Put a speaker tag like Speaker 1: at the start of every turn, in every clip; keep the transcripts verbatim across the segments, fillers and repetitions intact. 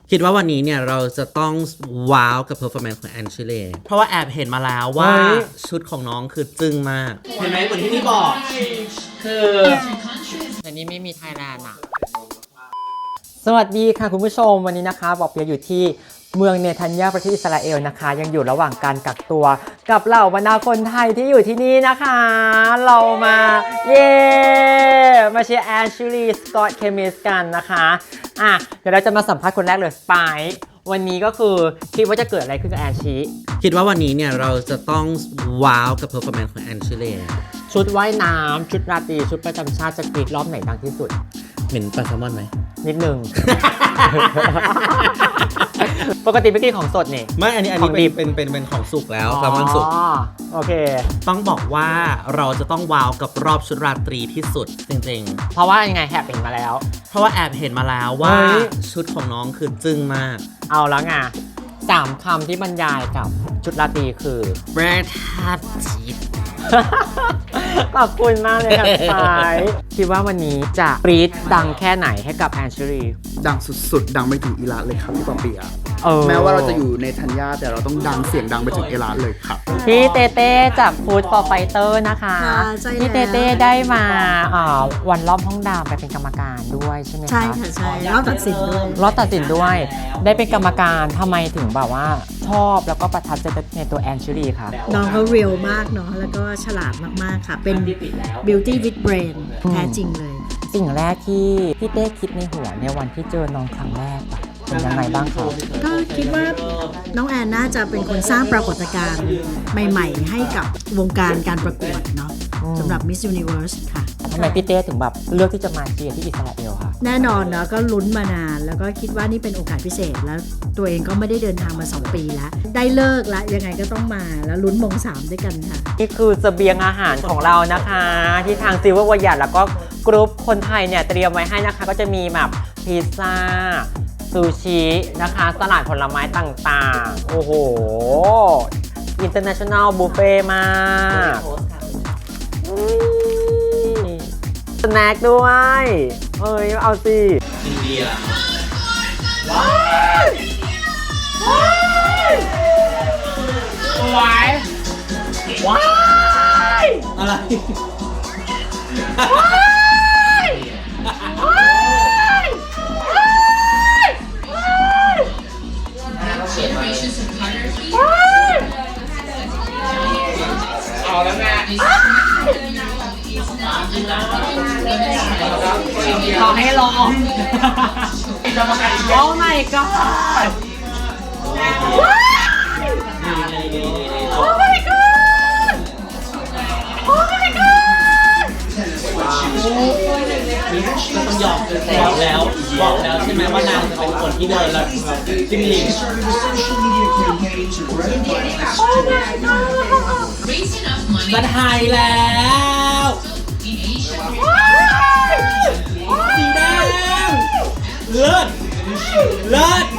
Speaker 1: คิดว่าวันนี้เนี่ยเราจะต้องว้าวกับเพอร์ฟอร์แมนซ์ของแอนชิเล่เพราะว่าแอบเห็นมาแล้วว่าชุดของน้องคือจึ้งมากเห็นไหมเหมือนที่พี่บอกคือแต่นี้ไม่มีไทยแลนด์อ่ะ
Speaker 2: สวัสดีค่ะคุณผู้ชมวันนี้นะคะบอกเปียอยู่ที่เมืองเนทันยาประเทศอิสราเอลนะคะยังอยู่ระหว่างการกักตัวกับเหล่าบรรดาคนไทยที่อยู่ที่นี่นะคะเรามาเย้มาเชียร์แอนชิลีสกอตเคมิสกันนะคะอ่ะเดี๋ยวเราจะมาสัมภาษณ์คนแรกเลยสไปซ์วันนี้ก็คือคิดว่าจะเกิดอะไรขึ้นกับแอนชิ
Speaker 1: คิดว่าวันนี้เนี่ยเราจะต้องว้าวกับเพอร์ฟอร์แมนซ์ของแอนชิเล่
Speaker 2: ชุดว่ายน้ำชุดราตรีชุดประจำชาติจะกรีดรอบไหนดังที่สุด
Speaker 1: เหม็นปลาแซลมอนไหม
Speaker 2: นิดนึง ปกติไม่กินของสดนี่
Speaker 1: ไม่อันนี้อันนี้เป็นเป็นเป็นเป็นของสุกแล้วแซลมอนสุก
Speaker 2: โอเค
Speaker 1: ต้องบอกว่าเราจะต้องว้าวกับรอบชุดราตรีที่สุดจริง
Speaker 2: ๆเพราะว่ายังไงแอบเห็นมาแล้ว
Speaker 1: เพราะว่าแอบเห็นมาแล้วว่าชุดของน้องคือจึ้งมาก
Speaker 2: เอาแล้วไงสามคำที่บรรยายกับชุดราตรีคือ
Speaker 1: ประทับจิต
Speaker 2: ขอบคุณมากเลยครับสายคิดว่าวันนี้จะปรี๊ดดังแค่ไหนให้กับแอนชิลี
Speaker 3: ดังสุดๆดังไปถึงอิรักเลยครับพี่ปอเปียแม้ว่าเราจะอยู่ในธัญญาแต่เราต้องดังเสียงดังไปถึงอิรักเลยครับ
Speaker 2: พี่เต้เต้จากฟู้ดฟอร์ไฟเตอร์นะคะพี่เต้เต้ได้มาวันรอบห้องดาวไปเป็นกรรมการด้วยใช่ไหมคะ
Speaker 4: ใช่ค่ะใช่รอบตัดสินด้วย
Speaker 2: รอบตัดสินด้วยได้เป็นกรรมการทำไมถึงแบบว่าชอบแล้วก็ประทับใจในตัวแอนชิลีค่ะ
Speaker 4: น้องเขาเรียลมากเนาะแล้วก็ฉลาดมากๆค่ะเป็น beauty with brain แท้จริงเลย
Speaker 2: สิ่งแรกที่พี่เต้คิดในหัวในวันที่เจอน้องครั้งแรกเป็นยังไงบ้างครับ
Speaker 4: ก็คิดว่าน้องแอนน่าจะเป็นคนสร้างปรากฏการณ์ใหม่ๆให้กับวงการการประกวดเนาะสำหรับ Miss Universe ค่ะ
Speaker 2: ทำไมพี่เต้ถึงแบบเลือกที่จะมาเชียร์ที่อิสราเอลค่ะ
Speaker 4: แน่นอนเนาะก็ลุ้นมานานแล้วก็คิดว่านี่เป็นโอกาสพิเศษแล้วตัวเองก็ไม่ได้เดินทางมาสองปีแล้วได้เลิกแล้วยังไงก็ต้องมาแล้วลุ้นมงสามด้วยกันค่ะ
Speaker 2: นี่คือเสบียงอาหารของเรานะคะที่ทางซิลเวอร์วอยัดแล้วก็กรุ๊ปคนไทยเนี่ยเตรียมไว้ให้นะคะก็จะมีแบบพิซซ่าซูชินะคะสลัดผลไม้ต่างๆโอ้โห International Buffet มากสแน็คด้วยเอ้ยเอาสิอินเดียว้ายว้ายว้ายว้าย
Speaker 1: อะไร
Speaker 2: ว้ายว้ายเอาแล้วแม่ขอให้ลอง โอ้ my god ว้ายโอ้ my god โอ้ my god
Speaker 1: ต้องยอมบอกแล้วบอกแล้วใช่ไหมว่านางเป็นคนที่เดินแล้วจิ้มลิงจะถ่ายแล้วสีแดงเลิศเลิศ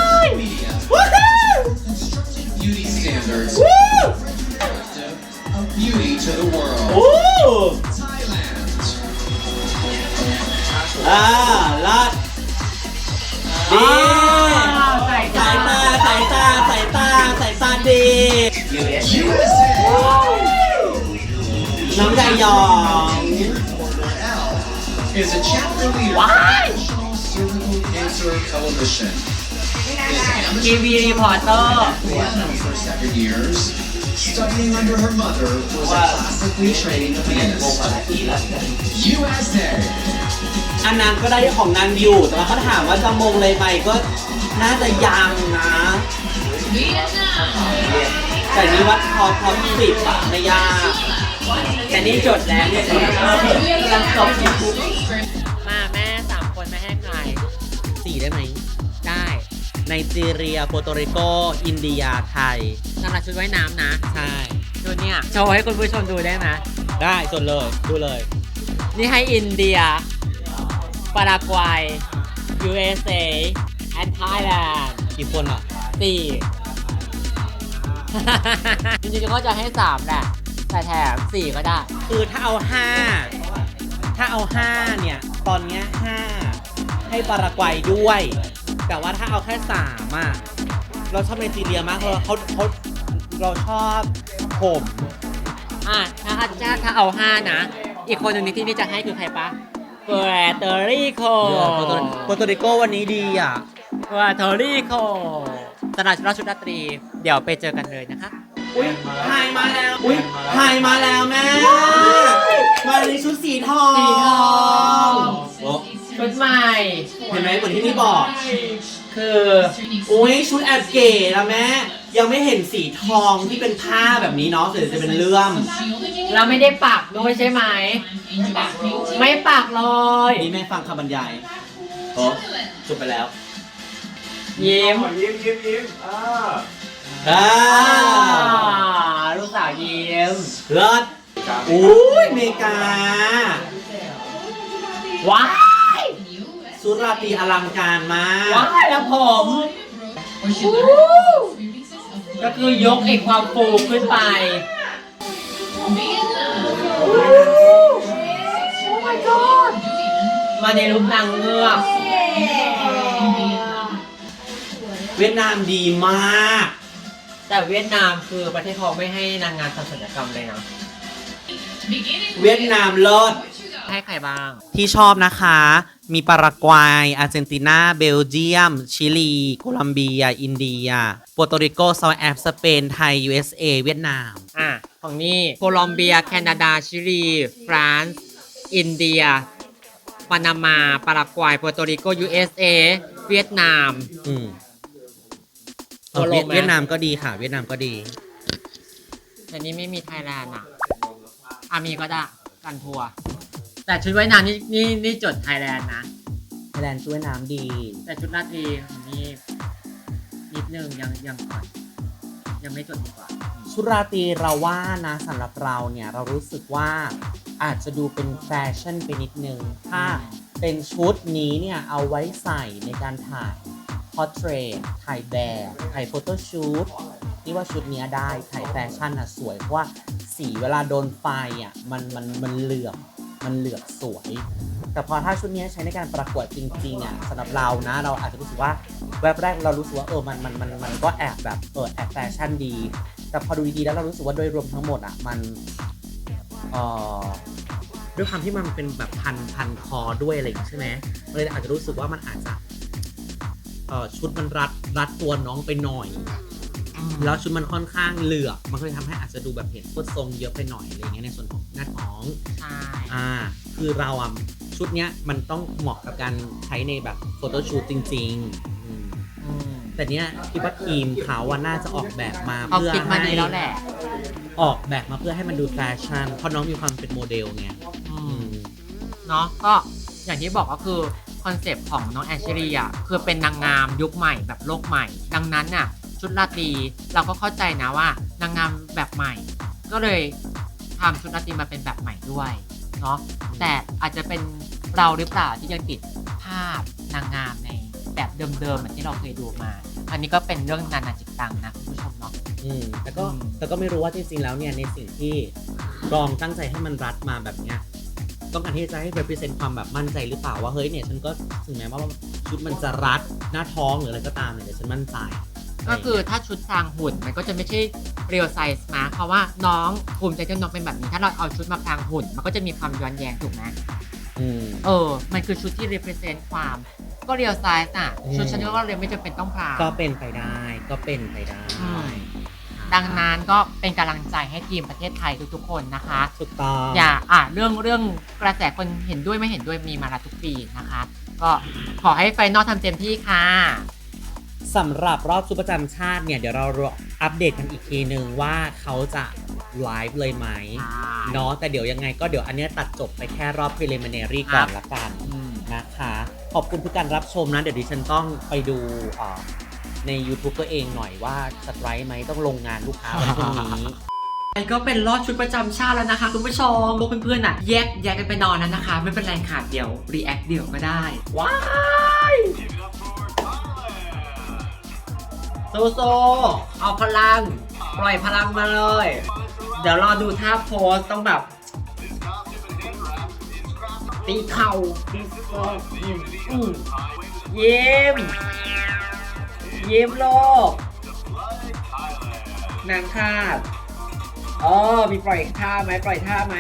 Speaker 5: Beauty standards. Beauty to the world. Thailand.
Speaker 1: อ่าลัดดีสายตาสายตาสายตาสายตาดี
Speaker 5: ยู เอส เอ
Speaker 1: น้องใจยอง
Speaker 5: is a chapter leader of National Cervical Cancer Coalition.
Speaker 2: ทีวีรีพอร์เตอร์
Speaker 5: For seven years, studying under her mother was a classically trained pianist. ยู เอส เอ
Speaker 1: อันนั้นก็ได้ของนางอยู่แต่ว่าเขาถามว่าจะมงเลยไหมก็น่าจะยังนะแต่นี่วัดพอพอสิบอะไม่ยากแต่นี่จดแล้วเนี่ยกำลังจบ
Speaker 2: มาแม่สามคนไม่ให้ใคร
Speaker 1: สี่ได้ไหม
Speaker 2: ได้
Speaker 1: ไนจีเรียโปรโตริโกอินเดียไทย
Speaker 2: สำหรับชุดว่ายน้ำนะ
Speaker 1: ใช่
Speaker 2: ชุดเนี้ยโชว์ให้คุณผู้ชมดูได้ไหม
Speaker 1: ได้จดเลยดูเลย
Speaker 2: นี่ให้อินเดียปารากวัย ยู เอส เอ and Thailand
Speaker 1: กี่คนอ่ะ
Speaker 2: สี่ จริงๆก็จะให้สามแหละแต่แถมสี่ก็ได้
Speaker 1: คือถ้าเอาห้าถ้าเอาห้าเนี่ยตอนเนี้ยห้าให้ปารากวัยด้วยแต่ว่าถ้าเอาแค่สามอ่ะเราชอบไนจีเรียมากเลยเขาเขาเราชอบผม
Speaker 2: อ่ะถ้าถ้าถ้าเอาห้านะ อีกคนหนึ่งที่นี่จะให้คือใครปะเปอร์โตริโก
Speaker 1: โปรโตริโกวันนี้ดีอ่ะ
Speaker 2: เปอร์โตริโกสำหรับราชชุดราตรี เดี๋ยวไปเจอกันเลยนะคะ
Speaker 1: อุ้ยไฮมาแล้ว อุ้ยไฮมาแล้วแม่ มาในชุดสีทอง
Speaker 2: สีทอง
Speaker 1: โอ้
Speaker 2: ชุดใหม่
Speaker 1: เห็นไหมเหมือนที่พี่บอก คืออุ้ยชุดแอบเก๋แล้วแม่ ยังไม่เห็นสีทองที่เป็นผ้าแบบนี้เนาะแต่จะเป็นเลื่อม
Speaker 2: เราไม่ได้ปักด้วยใช่ไหม ไม่ปักเลย
Speaker 1: นี่แม่ฟังคำบรรยายโอ้จบไปแล้ว
Speaker 2: ยิ้ม
Speaker 6: ยิ้มยิ้มยิ้มอ่า
Speaker 1: อ่า
Speaker 2: ลูกสาวยิ้ม
Speaker 1: เลิศอุ้ยอเมริกา
Speaker 2: ว้าย
Speaker 1: ชุดราตรีอลังการมาก
Speaker 2: ว้ายแล้วผม ก็คือยกไอ้ความฟูขึ้นไป มาในรูปนางเงือก
Speaker 1: เวียดนามดีมาก
Speaker 2: แต่เวียดนามคือประเทศเขาไม่ให้นางงามทำศัลยกรรมเลยนะ
Speaker 1: เวียดนามเลิศ
Speaker 2: ให้ใครบ้าง
Speaker 1: ที่ชอบนะคะ มีปารากวัย อาร์เจนตินา เบลเยียม ชิลี โคลัมเบีย อินเดีย โปรโตริโก เซาท์แอฟริกา สเปน ไทย ยู เอส เอ เวียดนาม
Speaker 2: อ่ะ ของนี่โคลอมเบีย แคนาดา ชิลี ฟรานซ์ อินเดีย ปานามา ปารากวัย โปรโตริโก ยู เอส เอ เวียดนาม
Speaker 1: อืม
Speaker 2: โคโล
Speaker 1: เวียด
Speaker 2: ไหม
Speaker 1: เวียดนามก็ดีค่ะ เวียดนามก็ดี
Speaker 2: แต่นี้ไม่มีไทยแลนด์อ่ะอามีก็ได้กันทัวร์แต่ชุดว่ายน้ำนี่นี่นี่จดไทยแลนด์นะ
Speaker 1: ไทยแลนด์ช่วยน้ำดี
Speaker 2: แต่ชุดราตรีของนี่นิดนึงยังยังก่อนยังไม่จดดีกว่า
Speaker 1: ชุดราตรีเราว่านะสำหรับเราเนี่ย เรารู้สึกว่าอาจจะดูเป็นแฟชั่นไปนิดนึง ถ้าเป็นชุดนี้เนี่ย เอาไว้ใส่ในการถ่ายพอร์เทรตถ่ายแบบถ่ายโฟโต้ชูตนี่ว่าชุดนี้ได้ถ่ายแฟชั่นอ่ะสวยเพราะว่าสีเวลาโดนไฟอ่ะมันมันมันเหลือบมันเหลือบสวย แต่พอถ้าชุดนี้ใช้ในการประกวดจริงๆอ่ะสำหรับเรานะเราอาจจะรู้สึกว่าแวบแรกเรารู้สึกว่าเออมันมันมันมันก็แอบแบบเออแอบแฟชั่นดี แต่พอดูดีๆแล้วเรารู้สึกว่าโดยรวมทั้งหมดอ่ะมันเอ่อด้วยความที่มันเป็นแบบพันพันคอด้วยอะไรอย่างงี้ใช่ไหมมันเลยอาจจะรู้สึกว่ามันอาจจะเอ่อชุดมันรัดรัดตัวน้องไปหน่อย แล้วชุดมันค่อนข้างเหลือบมันก็เลยทำให้อาจจะดูแบบเห็นฟุตทรงเยอะไปหน่อยอะไรเงี้ยในส่วนของหน้าท้อง
Speaker 2: ใช่
Speaker 1: อ่าคือเราอ่ะชุดเนี้ยมันต้องเหมาะกับการใช้ในแบบโฟโต้ชูตจริงๆอืม
Speaker 2: อืม
Speaker 1: แต่เนี้ยคิดว่าทีมเขาว่าน่าจะออกแบบมา
Speaker 2: เขา
Speaker 1: เพื่อ
Speaker 2: คิดมา
Speaker 1: ให้
Speaker 2: ดีแล้วแหละ
Speaker 1: ออกแบบมาเพื่อให้มันดูแฟชั่นเพราะน้องมีความเป็นโมเดลไง
Speaker 2: อื
Speaker 1: อื
Speaker 2: ม
Speaker 1: ม
Speaker 2: เนาะก็อย่างที่บอกก็คือคอนเซปต์ของน้องแอนเชลีอ่ะคือเป็นนางงามยุคใหม่แบบโลกใหม่ ดังนั้นน่ะชุดราตรีเราก็เข้าใจนะว่านางงามแบบใหม่ ก็เลยทำชุดราตรีมาเป็นแบบใหม่ด้วยเนาะแต่อาจจะเป็นเราหรือเปล่าที่ยังติดภาพนางงามในแบบเดิมๆเหมือนที่เราเคยดูมา อันนี้ก็เป็นเรื่องนานาจิตตังนะคุณผู้ชมเนาะ
Speaker 1: อืมแต่ก็
Speaker 2: อืม
Speaker 1: แต่ก็ไม่รู้ว่าจริงๆแล้วเนี่ยในสิ่งที่รองตั้งใจให้มันรัดมาแบบเนี้ยต้องการที่จะให้ represent ความแบบมั่นใจหรือเปล่าว่าเฮ้ยเนี่ยฉันก็ถึงแม้ว่าชุดมันจะรัดหน้าท้องหรืออะไรก็ตามเนี่ยแต่ฉันมั่นใจ
Speaker 2: ก็คือถ้าชุดพรางหุ่นมันก็จะไม่ใช่เรียลไซส์นะเพราะว่าน้องภูมิใจที่น้องเป็นแบบนี้ถ้าเราเอาชุดมาพรางหุ่นมันก็จะมีความย้อนแย้งถูกไหม
Speaker 1: อืม
Speaker 2: เออมันคือชุดที่ represent ความก็เรียลไซส์อ่ะ
Speaker 1: อืม
Speaker 2: ชุดฉันก็เลยไม่จำเป็นต้องพราง
Speaker 1: ก็เป็นไปได้ก็เป็นไปได้
Speaker 2: อืม ดังนั้นก็เป็นกำลังใจให้ทีมประเทศไทยทุกๆคนนะคะ
Speaker 1: ถูกต้อง
Speaker 2: อย่าอ่ะเรื่องเรื่องกระแสคนเห็นด้วยไม่เห็นด้วยมีมาละทุกปีนะคะ ก็ขอให้ไฟนอลทำเต็มที่ค่ะ
Speaker 1: สำหรับรอบชุดประจำชาติเนี่ยเดี๋ยวเราอัปเดตกันอีกทีนึงว่าเขาจะไลฟ์เลยไหมเนาะแต่เดี๋ยวยังไงก็เดี๋ยวอันเนี้ยตัดจบไปแค่รอบ preliminary ก่อนละกัน
Speaker 2: อืม
Speaker 1: นะคะขอบคุณทุกการรับชมนะเดี๋ยวดิฉันต้องไปดูอ่าใน YouTube ตัวเองหน่อยว่าสไตร์ไหมต้องลงงานลูกค้าวันพรุ่งนี้
Speaker 2: ไอ้ก็เป็นรอบชุดประจำชาติแล้วนะคะคุณผู้ชมพวกเพื่อนๆอ่ะแยกแยกกันไปนอนนั้นนะคะ ไม่เป็นไรค่ะเดี๋ยวรีแอคเดี๋ยวก็ได้ ว้ายโซโซเอาพลัง ปล่อยพลังมาเลย เดี๋ยวรอดูท่าโพสต้องแบบ ตีเข่าตีโซอืมอืมเยี่ยมยิ้มโลกนางทาสอ๋อมีปล่อยท่าไหมปล่อยท่าไหม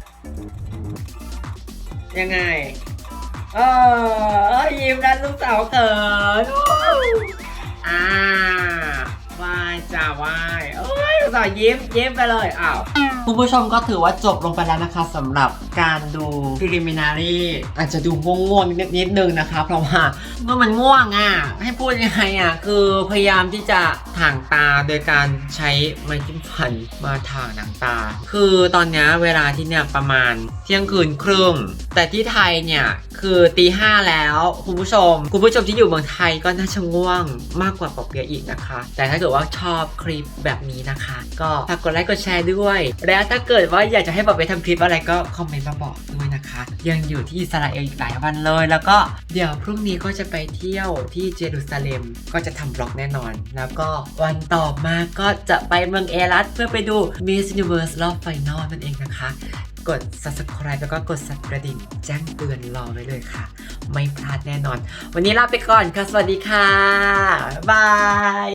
Speaker 2: ยังไงเออยิ้มนั้นลูกสาวเขินอ่าวายจ้าวายเอ้ยลูกสาวยิ้มยิ้มไปเลยอ้าวคุณผู้ชมก็ถือว่าจบลงไปแล้วนะคะสำหรับการดู preliminary อาจจะดูง่วงๆนิดนิดนึงนะคะเพราะว่าเมื่อมันง่วงอ่ะให้พูดยังไงอ่ะคือพยายามที่จะถ่างตาโดยการใช้ไม้จิ้มฟันมาถ่างหนังตาคือตอนนี้เวลาที่เนี่ยประมาณเที่ยงคืนครึ่งแต่ที่ไทยเนี่ยคือตีห้าแล้วคุณผู้ชมคุณผู้ชมที่อยู่เมืองไทยก็น่าจะง่วงมากกว่าปอเปียะอีกนะคะแต่ถ้าเกิดว่าชอบคลิปแบบนี้นะคะก็ฝากกดไลค์กดแชร์ด้วยและถ้าเกิดว่าอยากจะให้ปอเปียะทำคลิปอะไรก็คอมเมนต์มาบอกด้วยนะคะยังอยู่ที่อิสราเอลอีกหลายวันเลยแล้วก็เดี๋ยวพรุ่งนี้ก็จะไปเที่ยวที่เยรูซาเล็มก็จะทำบล็อกแน่นอนแล้วก็วันต่อมาก็จะไปเมืองเอรัตเพื่อไปดู Miss Universe รอบไฟนอลนั่นเองนะคะกด Subscribe แล้วก็กดสั่นกระดิ่งแจ้งเตือนรอไว้เลยค่ะไม่พลาดแน่นอนวันนี้ลาไปก่อนค่ะสวัสดีค่ะบาย